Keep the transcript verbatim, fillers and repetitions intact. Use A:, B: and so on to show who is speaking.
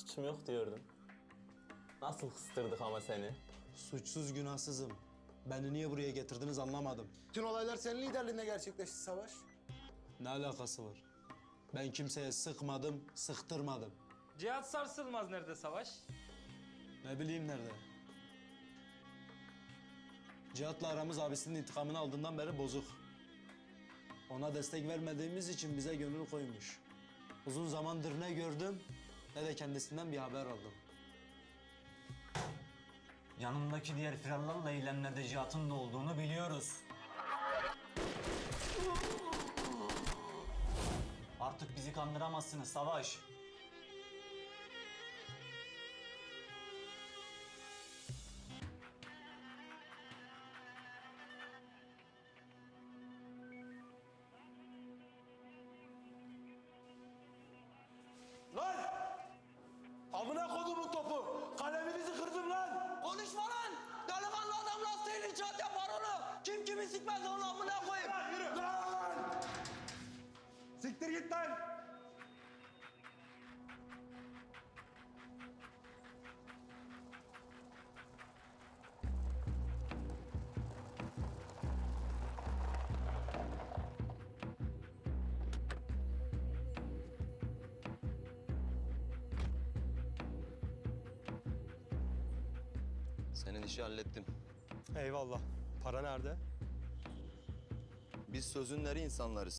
A: suçum yok diyordun. Nasıl kıstırdık ama seni?
B: Suçsuz günahsızım. Beni niye buraya getirdiniz anlamadım.
C: Bütün olaylar senin liderliğinde gerçekleşti Savaş.
B: Ne alakası var? Ben kimseye sıkmadım, sıktırmadım.
D: Cihat Sarsılmaz nerede Savaş?
B: Ne bileyim nerede? Cihat'la aramız abisinin intikamını aldığından beri bozuk. Ona destek vermediğimiz için bize gönül koymuş. Uzun zamandır ne gördüm ne de kendisinden bir haber aldım.
E: Yanımdaki diğer firarlarla eylemlerde Cihat'ın da olduğunu biliyoruz. Artık bizi kandıramazsınız Savaş.
C: Lan! Amına kodumun topu! Kaleminizi kırdım lan!
F: Konuşma lan! Delikanlı adam lastiğini icat yapar onu! Kim kimi sikmez onu amına koyayım!
C: Lan yürü! Lan! Siktir git lan!
G: Senin işi hallettim.
B: Eyvallah. Para nerede?
G: Biz sözün eri insanlarız.